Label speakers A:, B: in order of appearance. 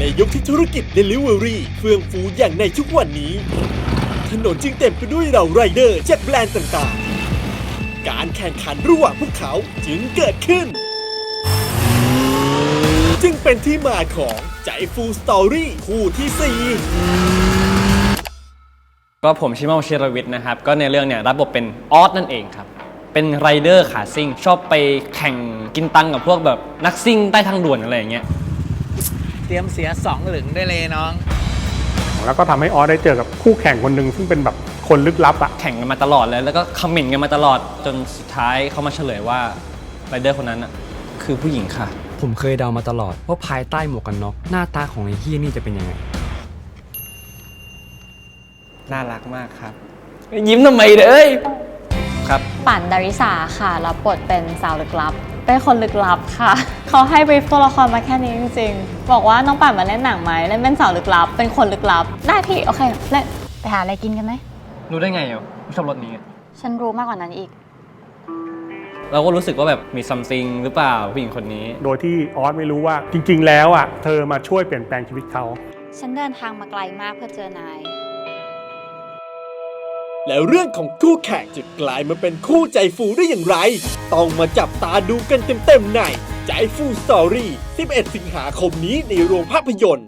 A: ยุคที่ธุรกิจ Delivery เฟื่องฟูอย่างในทุกวันนี้ถนนจึงเต็มไปด้วยเราไรเดอร์จากแบรนด์ต่างๆการแข่งขันระหว่างพวกเขาจึงเกิดขึ้นจึงเป็นที่มาของใจฟูสตอรี่คู่ที่
B: ก็ผมชิโมชิรวิทย์นะครับก็ในเรื่องเนี่ยรับบทเป็นออสนั่นเองครับเป็นไรเดอร์ขาซิ่งชอบไปแข่งกินตังกับพวกแบบนักซิ่งใต้ทางด่วนอะไรอย่างเงี้ย
C: เตรียมเสีย2 หลึงได้เลยน้อง
D: แล้วก็ทำให้ออสได้เจอกับคู่แข่งคนหนึ่งซึ่งเป็นแบบคนลึกลับอะ
B: แข่งกันมาตลอดเลยแล้วก็คอมเมนต์กันมาตลอดจนสุดท้ายเขามาเฉลยว่าไรเดอร์คนนั้นคือผู้หญิงค่ะ
E: ผมเคยเดามาตลอดว่าภายใต้หมวกกันน็อกหน้าตาของไอ้เฮียนี่จะเป็นยังไง
B: น่ารักมากครับยิ้มทำไมเด้ยครับ
F: ปั่นดาริสาค่ะรับบทเป็นสาวลึกลับเป็นคนลึกลับค่ะเขาให้บรีฟตัวละครมาแค่นี้จริงๆบอกว่าน้องปั่นมาเล่นหนังไหมเล่นเป็นสาวลึกลับเป็นคนลึกลับได้พี่โอเคเล่นไปหาอะไรกินกันไหม
B: รู้ได้ไงอ่ะชอบรถนี้
F: ฉันรู้มากกว่านั้นอีก
B: เราก็รู้สึกว่าแบบมีซัมติงหรือเปล่าผู้หญิงคนนี้
D: โดยที่ออสไม่รู้ว่าจริงๆแล้วอ่ะเธอมาช่วยเปลี่ยนแปลงชีวิตเขา
F: ฉันเดินทางมาไกลมากเพื่อเจอนาย
A: แล้วเรื่องของคู่แข่งจะกลายมาเป็นคู่ใจฟูได้อย่างไรต้องมาจับตาดูกันเต็มๆในใจฟูสตอรี่11 สิงหาคมนี้ในโรงภาพยนตร์